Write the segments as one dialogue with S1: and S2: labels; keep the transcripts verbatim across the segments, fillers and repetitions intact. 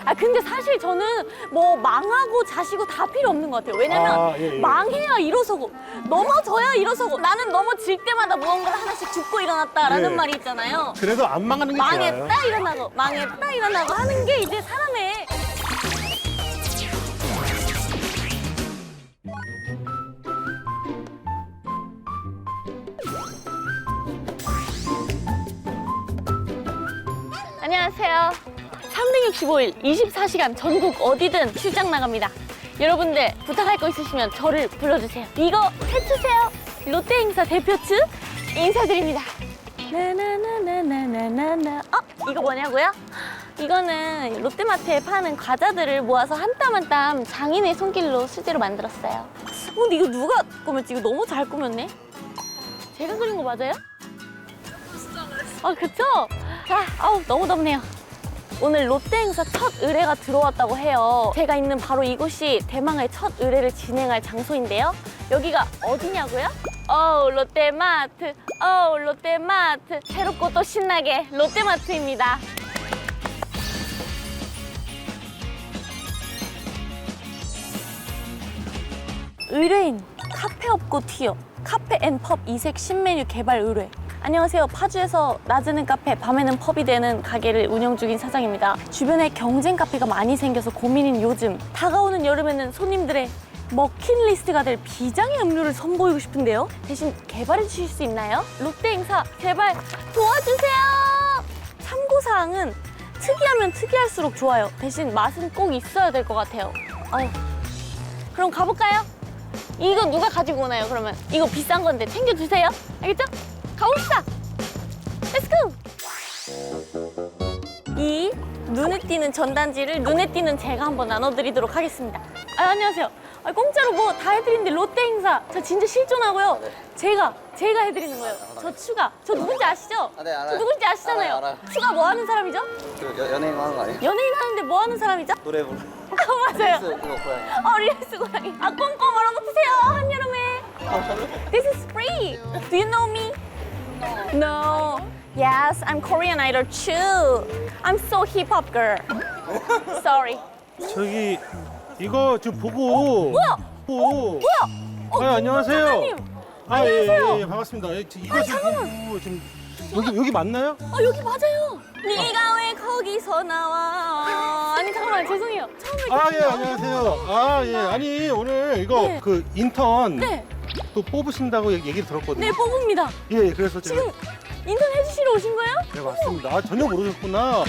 S1: 아 근데 사실 저는 뭐 망하고 자시고 다 필요 없는 것 같아요. 왜냐면
S2: 아, 예, 예.
S1: 망해야 일어서고 넘어져야 일어서고 나는 넘어질 때마다 무언가를 하나씩 죽고 일어났다라는
S2: 예.
S1: 말이 있잖아요.
S2: 그래도 안 망하는 게 좋아요.
S1: 망했다 일어나고 망했다 일어나고 하는 게 이제 사람의 안녕하세요. 삼백육십오 일 이십사 시간 전국 어디든 출장 나갑니다. 여러분들 부탁할 거 있으시면 저를 불러주세요. 이거 해주세요. 롯데 행사 대표측 인사드립니다. 나나나나나나나. 어? 이거 뭐냐고요? 이거는 롯데마트에 파는 과자들을 모아서 한 땀 한 땀 장인의 손길로 수제로 만들었어요. 어, 근데 이거 누가 꾸몄지? 이거 너무 잘 꾸몄네. 제가 그린 거 맞아요? 아, 그쵸? 자, 아우, 너무 덥네요. 오늘 롯데 행사 첫 의뢰가 들어왔다고 해요. 제가 있는 바로 이곳이 대망의 첫 의뢰를 진행할 장소인데요. 여기가 어디냐고요? 어우, 롯데마트, 어우, 롯데마트. 새롭고 또 신나게 롯데마트입니다. 의뢰인, 카페 없고 튀어, 카페 앤 펍 이색 신메뉴 개발 의뢰. 안녕하세요. 파주에서 낮에는 카페, 밤에는 펍이 되는 가게를 운영 중인 사장입니다. 주변에 경쟁 카페가 많이 생겨서 고민인 요즘 다가오는 여름에는 손님들의 먹힌리스트가 될 비장의 음료를 선보이고 싶은데요. 대신 개발해 주실 수 있나요? 롯데 행사 제발 도와주세요. 참고사항은 특이하면 특이할수록 좋아요. 대신 맛은 꼭 있어야 될 것 같아요. 어휴. 그럼 가볼까요? 이거 누가 가지고 오나요, 그러면? 이거 비싼 건데 챙겨주세요. 알겠죠? 가봅시다. 렛츠고! 이 눈에 띄는 전단지를 눈에 띄는 제가 한번 나눠드리도록 하겠습니다. 아, 안녕하세요. 아, 공짜로 뭐 다 해드리는데 롯데 행사 저 진짜 실존하고요.
S3: 아, 네.
S1: 제가 제가 해드리는 거예요. 저 추가. 저 누군지 아시죠?
S3: 아, 네, 알아요.
S1: 저 누군지 아시잖아요.
S3: 알아요, 알아요.
S1: 추가 뭐 하는 사람이죠?
S3: 그 여, 연예인 하는 거 아니에요?
S1: 연예인 하는데 뭐 하는 사람이죠?
S3: 노래 부르.
S1: 아, 맞아요.
S3: 릴스 그거 고양이.
S1: 어, 릴스 고양이. 아, 꼼꼼 얼어붙으세요, 한여름에. This is free. Do you know me? No. Yes, I'm Korean idol too. I'm so hip hop girl. Sorry.
S2: 저기 이거 지금 보고.
S1: 뭐야?
S2: 보고.
S1: 뭐야? 어,
S2: 아, 안녕하세요.
S1: 사장님.
S2: 아, 예,
S1: 안녕하세요.
S2: 예, 예, 반갑습니다. 예, 지- 이거 지금 보고 지금 여기 여기 맞나요?
S1: 어, 여기 맞아요. 네가 왜 거기서 나와? 아니, 잠깐만, 죄송해요. 처음에
S2: 아, 예, 안녕하세요. 아, 예. 아니, 오늘 이거
S1: 네.
S2: 그 인턴
S1: 네,
S2: 또 뽑으신다고 얘기- 얘기를 들었거든요.
S1: 네, 뽑습니다.
S2: 예, 그래서 제가
S1: 지금 인턴 해주시러 오신 거예요?
S2: 네, 맞습니다. 아, 전혀 모르셨구나.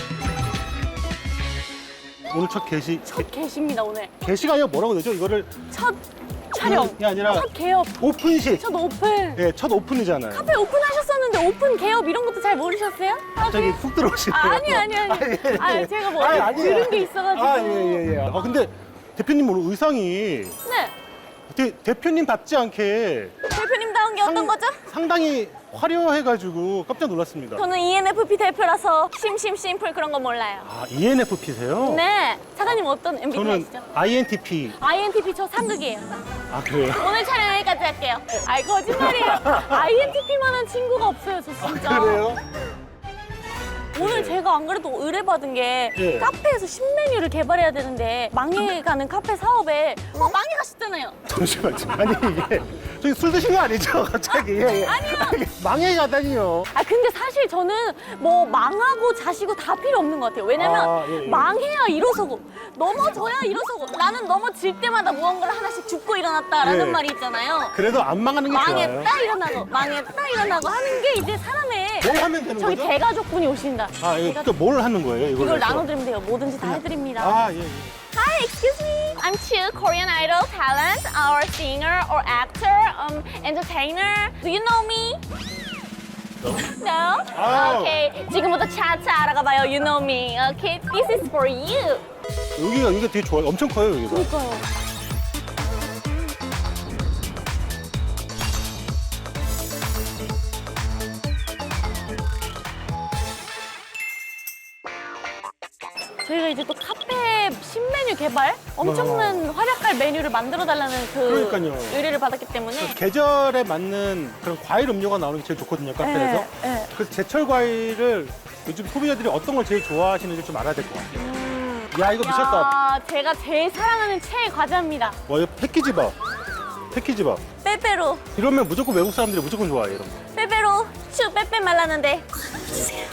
S2: 오늘 첫 게시,
S1: 첫 개시입니다, 오늘.
S2: 게시가 아니라 뭐라고 되죠? 이거를
S1: 첫 촬영.
S2: 이게 아니라
S1: 첫 개업.
S2: 오픈식.
S1: 첫 오픈.
S2: 예, 첫 오픈이잖아요.
S1: 카페 오픈하셨었는데 오픈 개업 이런 것도 잘 모르셨어요?
S2: 갑자기 훅 들어오시네요.
S1: 아, 아니, 아니, 아니.
S2: 아, 예, 예.
S1: 아, 제가 뭐
S2: 아니, 아니에요.
S1: 들은 게 있어가지고.
S2: 아, 예, 예, 예. 아, 근데 대표님 오늘 의상이
S1: 네.
S2: 대, 대표님답지 않게
S1: 대표님다운 게 어떤
S2: 상-
S1: 거죠?
S2: 상당히 화려해가지고 깜짝 놀랐습니다.
S1: 저는 이엔에프피 대표라서 심심 심플 그런 거 몰라요.
S2: 아, 이엔에프피세요?
S1: 네. 사장님 어떤
S2: 저는
S1: 엠비티아이시죠?
S2: 아이엔티피.
S1: 아이엔티피 저 상극이에요.
S2: 아, 그래요?
S1: 오늘 촬영 여기까지 할게요. 아이, 거짓말이에요. 아이엔티피만한 친구가 없어요, 저 진짜.
S2: 그래요?
S1: 오늘
S2: 네.
S1: 제가 안 그래도 의뢰받은 게
S2: 네.
S1: 카페에서 신메뉴를 개발해야 되는데 망해가는 카페 사업에 어, 망해가셨잖아요.
S2: 잠시만요. 아니, 이게 저기 술 드신 거 아니죠? 갑자기. 예, 예.
S1: 아니요.
S2: 망해가다니요.
S1: 아 근데 사실 저는 뭐 망하고 자시고 다 필요 없는 것 같아요. 왜냐면
S2: 아, 예, 예.
S1: 망해야 일어서고 넘어져야 일어서고 나는 넘어질 때마다 무언가를 하나씩 죽고 일어났다라는
S2: 예.
S1: 말이 있잖아요.
S2: 그래도 안 망하는 게 좋아요.
S1: 망했다 일어나고 망했다 일어나고 하는 게 이제 사람의
S2: 뭘 하면 되는
S1: 저기
S2: 거죠?
S1: 대가족분이 오신다.
S2: 아, 이거 또 뭘 하는 거예요? 이걸
S1: 이걸 나눠드리면 돼요. 뭐든지 다 해드립니다.
S2: 아, 예, 예.
S1: Hi, excuse me. I'm Chu, Korean idol talent, or singer, or actor, um, entertainer. Do you know me? No?
S2: 아우.
S1: Okay. 지금부터 차차 알아가 봐요. You know me. Okay. This is for you.
S2: 여기가 이게 되게 좋아요. 엄청 커요, 여기가.
S1: 그러니까요. 저희가 이제 또 카페 신메뉴 개발 엄청난 활약할 메뉴를 만들어 달라는 그
S2: 어. 그러니까요.
S1: 의뢰를 받았기 때문에
S2: 계절에 맞는 그런 과일 음료가 나오는 게 제일 좋거든요, 카페에서.
S1: 네, 네.
S2: 그래서 제철 과일을 요즘 소비자들이 어떤 걸 제일 좋아하시는지 좀 알아야 될 것 같아요.
S1: 음,
S2: 야, 이거 미쳤다.
S1: 야, 제가 제일 사랑하는 최애 과자입니다.
S2: 와, 이거 패키지 밥. 패키지 밥.
S1: 빼빼로.
S2: 이러면 무조건 외국 사람들이 무조건 좋아해, 이런 거.
S1: 빼빼로. 슈 빼빼 말랐는데. 주세요.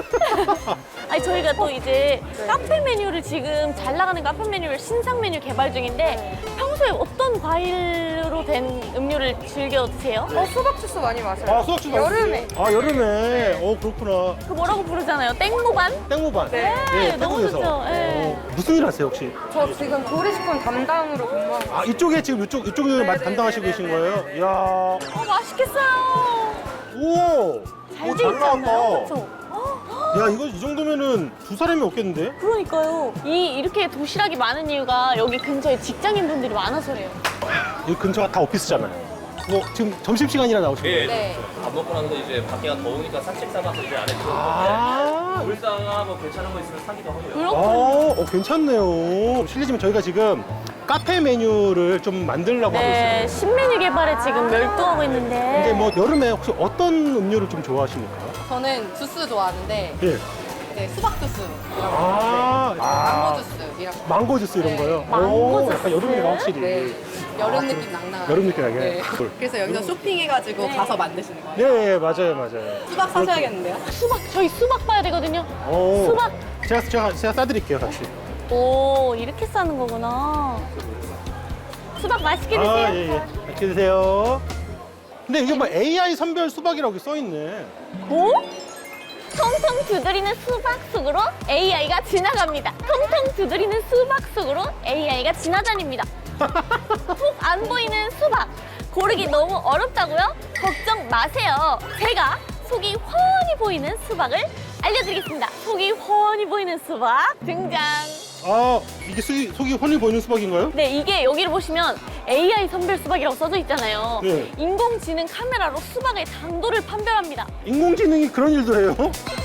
S1: 아니 저희가 또 이제 카페 메뉴를 지금 잘 나가는 카페 메뉴를 신상 메뉴 개발 중인데 평소에 어떤 과일로 된 음료를 즐겨 드세요?
S3: 어, 수박 주스 많이 마셔요.
S2: 아, 수학 주스
S3: 여름에.
S2: 아, 여름에. 어, 그렇구나.
S1: 그 뭐라고 부르잖아요? 땡모반?
S2: 땡모반.
S3: 네.
S1: 너무
S2: 태국에서.
S1: 좋죠. 네.
S2: 어, 무슨 일 하세요, 혹시?
S3: 저 지금 조리식품 담당으로 근무하고 있어요.
S2: 아, 이쪽에 지금 이쪽, 이쪽을
S3: 네,
S2: 담당하시고
S3: 네,
S2: 계신
S3: 네,
S2: 거예요? 이야.
S1: 어 맛있겠어요.
S2: 오!
S1: 잘
S2: 오,
S1: 돼 있지 않나요?
S2: 나왔다.
S1: 그렇죠?
S2: 야, 이거 이 정도면은 두 사람이 없겠는데?
S1: 그러니까요. 이 이렇게 도시락이 많은 이유가 여기 근처에 직장인 분들이 많아서래요.
S2: 여기 근처가 다 오피스잖아요. 뭐 지금 점심시간이라 나오신 거예요?
S3: 네.
S4: 밥 먹고 나서 이제 밖에가 더우니까 산책 삼아서 이제 안에 들어오는데
S2: 아,
S4: 물상하 뭐 괜찮은 거 있으면 사기도 하고요.
S1: 그렇군요.
S2: 어, 어, 괜찮네요. 실례지만 저희가 지금 카페 메뉴를 좀 만들려고 하고
S1: 네,
S2: 있어요.
S1: 신메뉴 개발에 지금 열중하고 있는데.
S2: 근데 뭐 여름에 혹시 어떤 음료를 좀 좋아하십니까?
S3: 저는 주스 좋아하는데
S2: 예.
S3: 이제 수박 주스,
S2: 아,
S3: 망고
S2: 아,
S3: 주스 이런 거.
S2: 망고 주스 이런
S3: 네.
S2: 거요?
S1: 망고
S2: 오, 약간
S1: 주스?
S2: 여름이가 확실히.
S3: 네. 여름 느낌 낭낭하게.
S2: 여름 느낌 나게.
S3: 네.
S2: 꿀.
S3: 그래서 여기서 쇼핑해가지고 가서 만드시는 거예요.
S2: 예, 예, 맞아요, 맞아요.
S3: 수박 사셔야겠는데요?
S1: 수박, 저희 수박 봐야 되거든요.
S2: 오,
S1: 수박.
S2: 제가, 제가, 제가 싸드릴게요, 같이.
S1: 오, 이렇게 싸는 거구나. 수박 맛있게 드세요.
S2: 아, 예, 예. 맛있게 드세요. 근데 이게 뭐 에이아이 선별 수박이라고 써있네.
S1: 오? 통통 두드리는 수박 속으로 에이아이가 지나갑니다. 통통 두드리는 수박 속으로 에이아이가 지나다닙니다. 톡 안 보이는 수박. 고르기 너무 어렵다고요? 걱정 마세요. 제가 속이 훤히 보이는 수박을 알려드리겠습니다. 속이 훤히 보이는 수박 등장.
S2: 아, 이게 속이, 속이 훤히 보이는 수박인가요?
S1: 네, 이게 여기를 보시면 에이아이 선별 수박이라고 써져 있잖아요.
S2: 네.
S1: 인공지능 카메라로 수박의 당도를 판별합니다.
S2: 인공지능이 그런 일도 해요?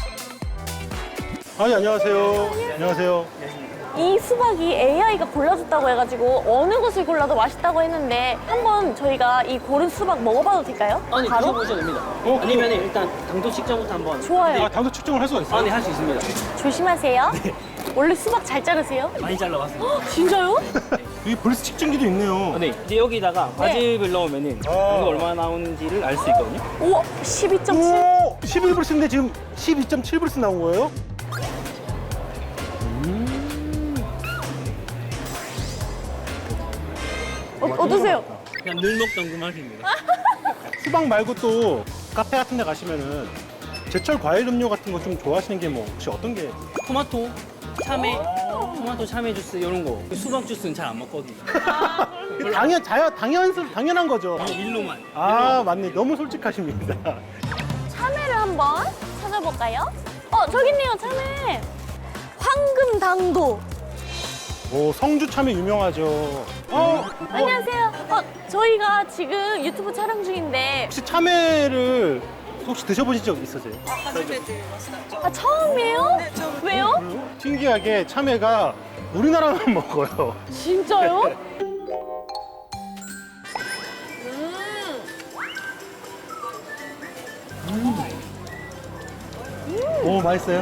S2: 아니, 안녕하세요. 안녕하세요.
S1: 이 수박이 에이아이가 골라줬다고 해가지고 어느 것을 골라도 맛있다고 했는데 한번 저희가 이 고른 수박 먹어봐도 될까요?
S5: 아니
S1: 바로?
S5: 드셔보셔도 됩니다.
S2: 어,
S5: 아니면 일단 당도 측정부터 한번.
S1: 좋아요.
S2: 아, 당도 측정을 할 수가 있어요?
S5: 아, 네, 할 수 있습니다.
S1: 조심하세요. 원래 수박 잘 자르세요?
S5: 많이 잘라봤습니다.
S1: 헉, 진짜요?
S2: 여기 볼스 측정기도 있네요.
S5: 아, 네, 이제 여기다가 과즙을 넣으면은
S2: 아.
S5: 당도 얼마나 나오는지를 알 수 있거든요.
S1: 오, 십이 점 칠.
S2: 오, 십일 불스인데 지금 십이 점 칠 불스 나온 거예요?
S1: 어, 어떠세요?
S5: 그냥 늘 먹던 그 맛입니다.
S2: 수박 말고 또 카페 같은 데 가시면은 제철 과일 음료 같은 거 좀 좋아하시는 게 뭐 혹시 어떤 게?
S5: 토마토, 참외, 토마토 참외 주스 이런 거. 수박 주스는 잘 안 먹거든요.
S2: 당연, 자연, 당연, 당연한 거죠.
S5: 그냥 밀로만.
S2: 아, 맞네. 너무 솔직하십니다.
S1: 참외를 한번 찾아볼까요? 어, 저기 있네요, 참외. 황금 당도.
S2: 오, 성주 참외 유명하죠. 어,
S1: 안녕하세요. 어, 저희가 지금 유튜브 촬영 중인데
S2: 혹시 참외를 혹시 드셔보신 적 있으세요?
S1: 아, 처음이에요? 왜요?
S2: 신기하게 참외가 우리나라만 먹어요.
S1: 진짜요?
S2: 오, 맛있어요?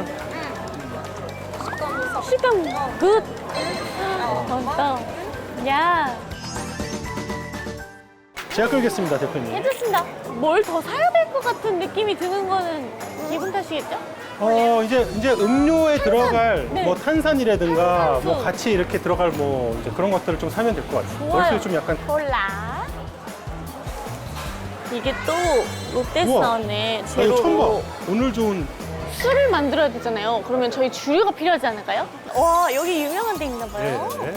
S1: 식감 굿. 맛있다. 야,
S2: 제가 끌겠습니다, 대표님.
S1: 괜찮습니다. 뭘 더 사야 될 것 같은 느낌이 드는 거는 기분 탓이겠죠?
S2: 어, 이제, 이제 음료에 들어갈
S1: 네.
S2: 뭐 탄산이라든가
S1: 탄산수.
S2: 뭐 같이 이렇게 들어갈 뭐 이제 그런 것들을 좀 사면 될 것 같아요.
S1: 좋아요.
S2: 월세 좀 약간.
S1: 콜라. 이게 또 롯데에서
S2: 우와.
S1: 나왔네.
S2: 나 이거 처음
S1: 제로로.
S2: 봐. 오늘 좋은.
S1: 술을 만들어야 되잖아요. 그러면 저희 주류가 필요하지 않을까요? 와, 여기 유명한 데 있나 봐요.
S2: 네.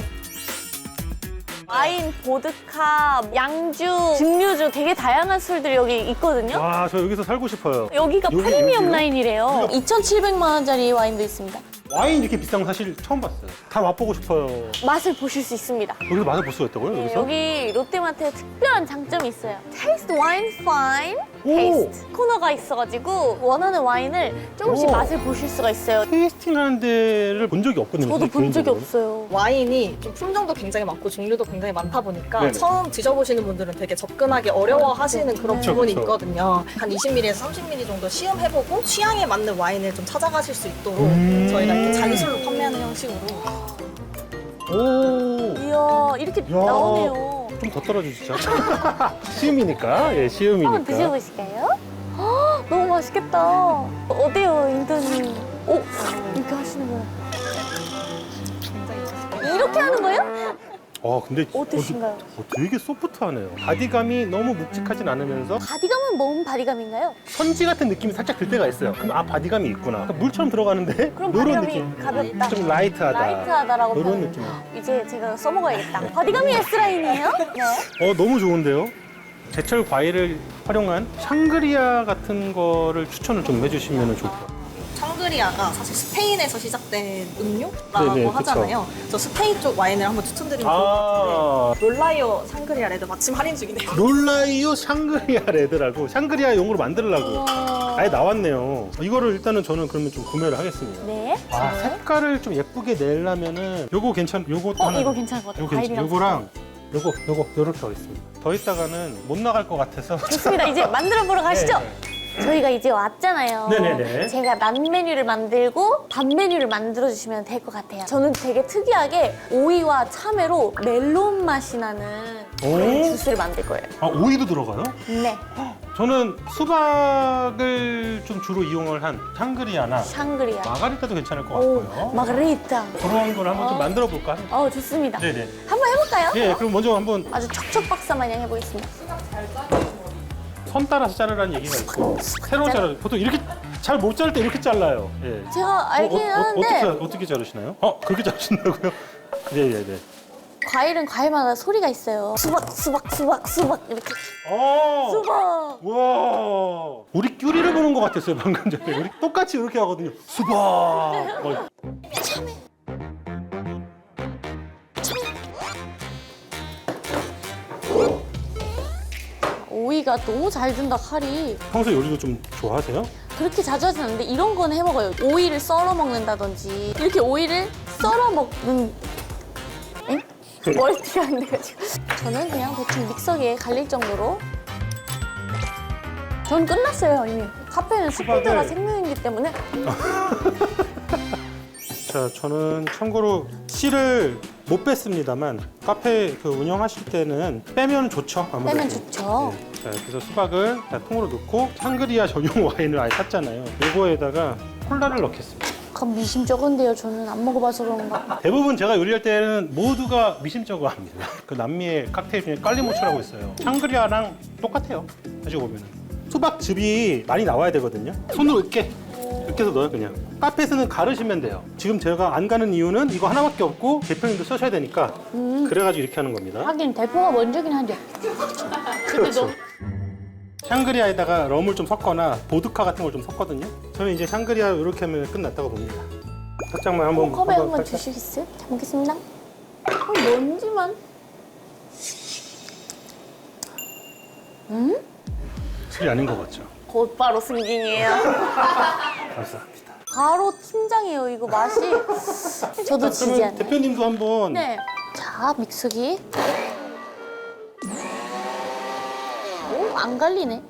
S1: 와인, 보드카, 양주, 증류주 되게 다양한 술들이 여기 있거든요.
S2: 와, 저 여기서 살고 싶어요.
S1: 여기가
S2: 여기,
S1: 프리미엄
S2: 여기요?
S1: 라인이래요. 이천칠백만 원짜리 와인도 있습니다.
S2: 와인 이렇게 비싼 거 사실 처음 봤어요. 다 맛보고 싶어요.
S1: 맛을 보실 수 있습니다.
S2: 여기서 맛을 볼 수가 있다고요?
S1: 네,
S2: 여기서?
S1: 여기 롯데마트에 특별한 장점이 있어요. Taste Wine Fine
S2: 오!
S1: Taste 코너가 있어가지고 원하는 와인을 조금씩
S2: 오.
S1: 맛을 보실 수가 있어요.
S2: 테이스팅 하는 데를 본 적이 없거든요.
S1: 저도
S2: 사실
S1: 본 적이
S2: 개인적으로.
S1: 없어요.
S6: 와인이 좀 품종도 굉장히 많고 종류도 굉장히 많다 보니까
S2: 네네.
S6: 처음 드셔보시는 분들은 되게 접근하기 어려워하시는 그런
S2: 그쵸,
S6: 부분이
S2: 그쵸.
S6: 있거든요. 한 이십 밀리리터에서 삼십 밀리리터 정도 시음해보고 취향에 맞는 와인을 좀 찾아가실 수 있도록
S2: 음.
S6: 저희가 이렇게 잔술로 판매하는 형식으로
S2: 오.
S1: 이야, 이렇게
S2: 야.
S1: 나오네요.
S2: 좀 더 떨어주시죠. 시음이니까. 예, 시음이니까.
S1: 한번 드셔보실까요? 헉, 너무 맛있겠다. 어때요, 인턴님? 오, 이렇게 하시는 거예요. 이렇게 하는 거예요?
S2: 어, 근데
S1: 어떠신가요?
S2: 어, 되게 소프트하네요. 바디감이 너무 묵직하진 않으면서
S1: 바디감은 뭔 바디감인가요?
S2: 선지 같은 느낌이 살짝 들 때가 있어요. 그럼 아, 바디감이 있구나. 그러니까 물처럼 들어가는데
S1: 그럼
S2: 이런
S1: 바디감이
S2: 느낌.
S1: 가볍다.
S2: 좀 라이트하다.
S1: 라이트하다라고
S2: 이런
S1: 표현해요.
S2: 느낌.
S1: 이제 제가 써먹어야겠다. 바디감이 S라인이에요? 네.
S2: 어, 너무 좋은데요? 제철 과일을 활용한 샹그리아 같은 거를 추천을 좀 해주시면 좋을 것 같아요.
S6: 샹그리아가 사실 스페인에서 시작된 음료라고
S2: 네네, 그쵸.
S6: 하잖아요. 저 스페인 쪽 와인을 한번 추천드리면 좋을 것
S2: 아,
S6: 같은데 롤라이오 샹그리아 레드 마침 할인 중이네요.
S2: 롤라이오 샹그리아 레드라고 샹그리아 용으로 만들려고 아예 나왔네요. 이거를 일단은 저는 그러면 좀 구매를 하겠습니다.
S1: 네.
S2: 아,
S1: 네.
S2: 색깔을 좀 예쁘게 내려면은 요거 괜찮, 요거
S1: 어, 이거 괜찮을 것 같아요.
S2: 요거 괜찮,
S1: 과일이랑
S2: 요거랑 요거, 요거, 요렇게 하겠습니다. 더 있다가는 못 나갈 것 같아서.
S1: 좋습니다. 이제 만들어 보러 가시죠.
S2: 네.
S1: 저희가 이제 왔잖아요.
S2: 네네네.
S1: 제가 난 메뉴를 만들고 밥 메뉴를 만들어 주시면 될 것 같아요. 저는 되게 특이하게 오이와 참외로 멜론 맛이 나는 그런
S2: 오.
S1: 주스를 만들 거예요.
S2: 아, 오이도 들어가요?
S1: 네,
S2: 저는 수박을 좀 주로 이용을 한 샹그리아나
S1: 샹그리아.
S2: 마가리타도 괜찮을 것
S1: 오,
S2: 같고요.
S1: 마가리타.
S2: 그런 걸 한번 좀
S1: 어.
S2: 만들어 볼까?
S1: 어, 좋습니다.
S2: 네네.
S1: 한번 해볼까요?
S2: 예, 그럼 먼저 한번
S1: 아주 척척 박사 마냥 해보겠습니다.
S2: 선 따라서 자르라는 얘기가 있고 새로 자르. 보통 이렇게 잘 못 자를 때 이렇게 잘라요. 예.
S1: 제가 알긴
S2: 어, 어,
S1: 하는데
S2: 어떻게 어떻게 자르시나요? 어, 그렇게 자르신다고요? 네네네.
S1: 과일은 과일마다 소리가 있어요. 수박, 수박, 수박, 수박 이렇게.
S2: 어.
S1: 수박.
S2: 와. 우리 큐리를 보는 것 같았어요 방금 전에. 우리 똑같이 이렇게 하거든요. 수박. 어.
S1: 참외. 오이가 너무 잘 든다 칼이.
S2: 평소 요리도 좀 좋아하세요?
S1: 그렇게 자주 하진 않는데 이런 건 해먹어요. 오이를 썰어 먹는다든지 이렇게 오이를 썰어 먹는 엥? 머리띠가 안 돼가지고 저는 그냥 대충 믹서기에 갈릴 정도로 전 끝났어요 이미. 카페는 스피드가
S2: 수박을-
S1: 생명이기 때문에
S2: 자, 저는 참고로 씨를 못 뺐습니다만 카페 그 운영하실 때는 빼면 좋죠. 아무래도.
S1: 빼면 좋죠.
S2: 네. 자, 그래서 수박을 다 통으로 넣고 샹그리아 전용 와인을 아예 샀잖아요. 이거에다가 콜라를 넣겠습니다.
S1: 그럼 미심 적은데요. 저는 안 먹어봐서 그런가.
S2: 대부분 제가 요리할 때는 모두가 미심쩍어 합니다. 그 남미의 칵테일 중에 깔리모츠라고 있어요. 샹그리아랑 똑같아요. 가지고 보면은. 수박즙이 많이 나와야 되거든요. 손으로 으깨. 으깨서 넣어요, 그냥. 카페에서는 가르시면 돼요. 지금 제가 안 가는 이유는 이거 하나밖에 없고 대표님도 쓰셔야 되니까 그래가지고 이렇게 하는 겁니다.
S1: 하긴 대포가 먼저긴 하죠.
S2: 그렇죠. 샹그리아에다가 럼을 좀 섞거나 보드카 같은 걸 좀 섞거든요. 저는 이제 샹그리아 이렇게 하면 끝났다고 봅니다. 살짝만 한번
S1: 어, 컵에 한번
S2: 살짝.
S1: 드시겠어요? 잘 먹겠습니다. 어, 뭔지만. 음?
S2: 술이 아닌 것 같죠?
S1: 곧바로 승진이에요.
S2: 감사합니다.
S1: 바로 팀장이에요. 이거 맛이. 저도 지지
S2: 그러면
S1: 않아요.
S2: 대표님도 한번
S1: 네. 자, 믹서기. 오, 안 갈리네.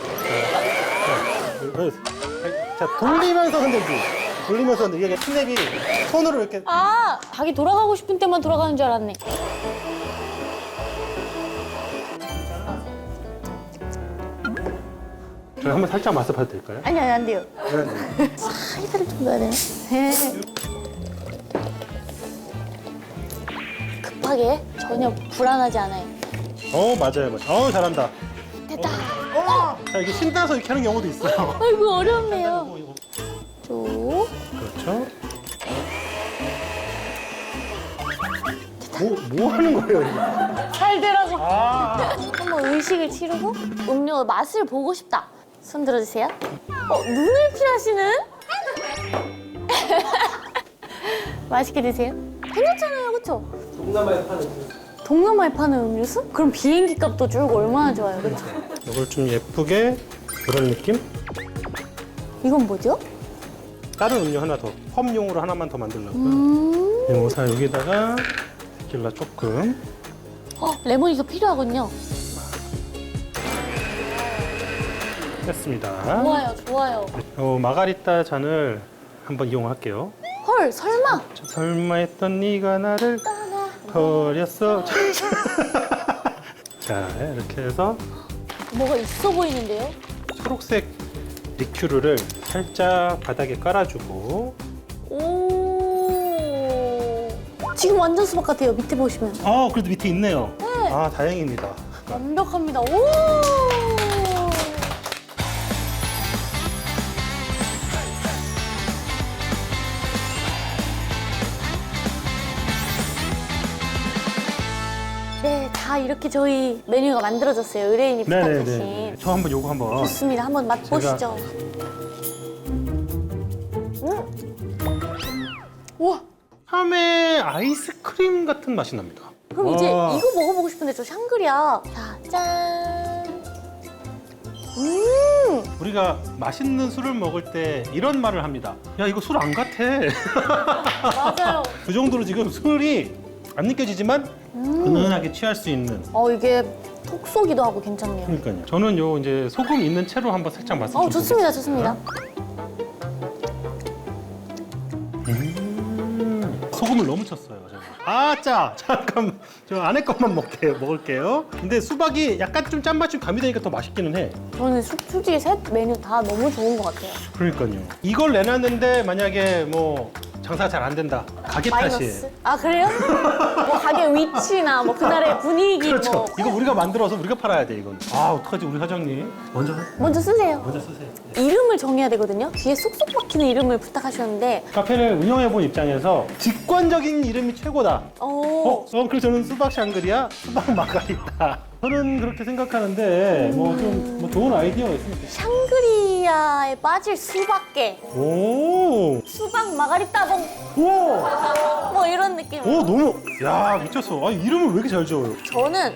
S2: 자, 돌리면서 흔들기. 돌리면서 흔들기. 이게 스냅이 손으로 이렇게.
S1: 아, 닭이 돌아가고 싶은 때만 돌아가는 줄 알았네.
S2: 저희 한번 살짝 맛을 봐도 될까요?
S1: 아니, 아니, 안 돼요.
S2: 네.
S1: 사이다를 좀 넣어야 되나? 네. 급하게 전혀 불안하지 않아요.
S2: 어, 맞아요, 맞아요. 어, 잘한다.
S1: 됐다.
S2: 자, 이게 신 따서 이렇게 하는 경우도 있어요.
S1: 아이고, 어렵네요.
S2: 이거, 이거.
S1: 쭉.
S2: 그렇죠. 뭐, 뭐 하는 거예요, 이거?
S1: 잘 되라고.
S2: 아,
S1: 한번 의식을 치르고 음료 맛을 보고 싶다. 손 들어주세요. 어, 눈을 피하시는? 맛있게 드세요. 괜찮잖아요, 그렇죠? 동남아에 파는 동남아에 파는 음료수? 그럼 비행기 값도 줄고 얼마나 좋아요, 그렇죠?
S2: 이걸 좀 예쁘게 그런 느낌?
S1: 이건 뭐죠?
S2: 다른 음료 하나 더, 컵용으로 하나만 더 만들려고요.
S1: 음,
S2: 이모사 여기다가 데킬라 조금.
S1: 어, 레몬이가 필요하군요.
S2: 했습니다.
S1: 좋아요, 좋아요.
S2: 어, 마가리타 잔을 한번 이용할게요.
S1: 헐, 설마?
S2: 자, 설마 했던 네가 나를
S1: 떠나
S2: 버렸어. 자, 이렇게 해서
S1: 뭐가 있어 보이는데요?
S2: 초록색 리큐르를 살짝 바닥에 깔아주고.
S1: 오. 지금 완전 수박 같아요. 밑에 보시면.
S2: 아, 그래도 밑에 있네요. 아, 다행입니다.
S1: 완벽합니다. 오. 네, 다 이렇게 저희 메뉴가 만들어졌어요. 의뢰인이 부탁하신.
S2: 네네네. 저 한번 요거 한번.
S1: 좋습니다. 한번 맛보시죠. 음. 우와.
S2: 참외 아이스크림 같은 맛이 납니다.
S1: 그럼 이제
S2: 와.
S1: 이거 먹어보고 싶은데 저 샹그리아. 자, 짠. 음.
S2: 우리가 맛있는 술을 먹을 때 이런 말을 합니다. 야, 이거 술 안 같아.
S1: 맞아요.
S2: 그 정도로 지금 술이 안 느껴지지만 은은하게 취할 수 있는.
S1: 어, 이게 톡 쏘기도 하고 괜찮네요.
S2: 그러니까요. 저는 요 이제 소금 있는 채로 한번 살짝 맛을
S1: 어,
S2: 좀
S1: 좋습니다.
S2: 보겠습니다.
S1: 좋습니다.
S2: 음, 소금을 너무 쳤어요. 제가. 아, 짜. 잠깐 저 안에 것만 먹게요. 먹을게요. 근데 수박이 약간 좀 짠맛이 좀 가미되니까 더 맛있기는 해.
S1: 저는 수- 솔직히 셋 메뉴 다 너무 좋은 것 같아요.
S2: 그러니까요. 이걸 내놨는데 만약에 뭐 장사가 잘 안 된다. 가게 탓이에요.
S1: 마이너스. 아, 그래요? 뭐 가게 위치나 뭐 그날의 분위기
S2: 그렇죠.
S1: 뭐.
S2: 이거 우리가 만들어서 우리가 팔아야 돼, 이건. 아, 어떡하지, 우리 사장님. 먼저
S1: 먼저 쓰세요.
S2: 먼저 쓰세요.
S1: 이름을 정해야 되거든요. 뒤에 쏙쏙 박히는 이름을 부탁하셨는데.
S2: 카페를 운영해 본 입장에서 직관적인 이름이 최고다. 어,
S1: 오.
S2: 어, 그래서 저는 수박 샹그리아, 수박 마가리타. 저는 그렇게 생각하는데 뭐 좀 뭐 좋은 아이디어가 있으면 좋겠어요.
S1: 샹그리아에 빠질 수박계,
S2: 오,
S1: 수박 마가리 따봉
S2: 우와,
S1: 뭐 이런 느낌.
S2: 오 너무, 야 미쳤어. 아 이름을 왜 이렇게 잘 지어요?
S1: 저는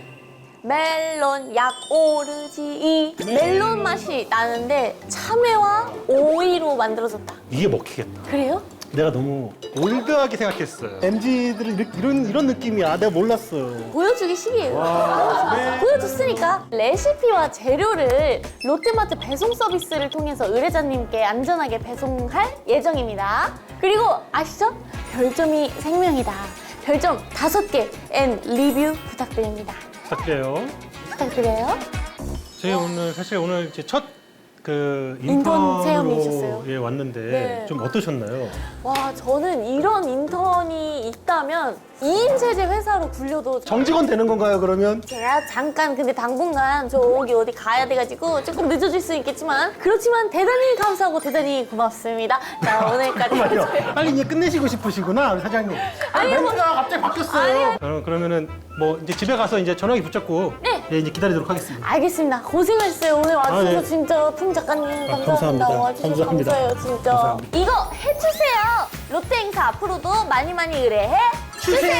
S1: 멜론 약 오르지 멜론 맛이 나는데 참외와 오이로 만들어졌다.
S2: 이게 먹히겠다.
S1: 그래요?
S2: 내가 너무 올드하게 생각했어요. 엠지들은 이렇게, 이런 이런 느낌이야. 내가 몰랐어요.
S1: 보여주기 식이에요.
S2: 와, 네.
S1: 보여줬으니까 레시피와 재료를 롯데마트 배송 서비스를 통해서 의뢰자님께 안전하게 배송할 예정입니다. 그리고 아시죠? 별점이 생명이다. 별점 다섯 개 앤 리뷰 부탁드립니다.
S2: 부탁드려요.
S1: 부탁드려요.
S2: 저희 오늘 사실 오늘 이제 첫 그
S1: 인턴 체험이셨어요?
S2: 인턴으로 예, 왔는데
S1: 네.
S2: 좀 어떠셨나요?
S1: 와, 저는 이런 인턴이 있다면 이 인 세제 회사로 굴려도
S2: 정직원 되는 건가요, 그러면?
S1: 제가 잠깐 근데 당분간 저기 어디 가야 돼가지고 조금 늦어질 수 있겠지만 그렇지만 대단히 감사하고 대단히 고맙습니다. 자, 오늘까지
S2: 잠깐만요. 빨리 이제 끝내시고 싶으시구나, 우리 사장님.
S1: 아니요, 뭐-
S2: 멘트가 갑자기 바뀌었어요. 어, 그러면은 뭐 이제 집에 가서 이제 전화기 붙잡고
S1: 네.
S2: 예, 이제 기다리도록 하겠습니다.
S1: 알겠습니다. 고생하셨어요. 오늘 와주셔서
S2: 아, 네.
S1: 진짜 풍 작가님 감사합니다.
S2: 감사합니다.
S1: 와주셔서
S2: 감사합니다.
S1: 감사해요, 진짜.
S2: 감사합니다.
S1: 이거 해주세요. 롯데 행사 앞으로도 많이 많이 의뢰해 주세요.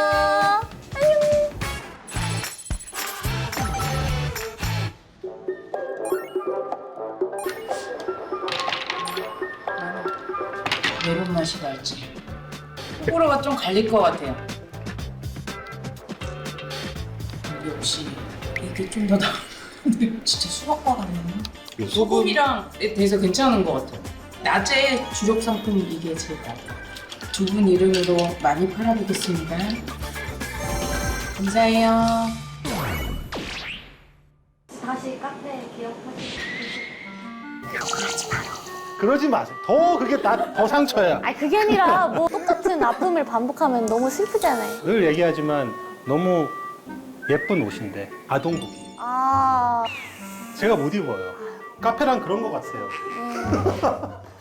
S1: 안녕.
S7: 메론 맛이 날지. 호불호가 좀 갈릴 것 같아요. 역시 이게 좀 더 나. 진짜 수박과 같네. 소금이랑 돼서 괜찮은 것 같아요. 낮에 주력 상품이 이게 제일 나아요. 두 분 이름으로 많이 팔아보겠습니다. 감사해요.
S1: 다시 카페 기억하시죠?
S2: 그러지 마세요. 더 그게 나, 더 상처야.
S1: 아니 그게 아니라 뭐 똑같은 아픔을 반복하면 너무 슬프잖아요.
S2: 늘 얘기하지만 너무 예쁜 옷인데 아동복이.
S1: 아.
S2: 제가 못 입어요. 카페랑 그런 것 같아요.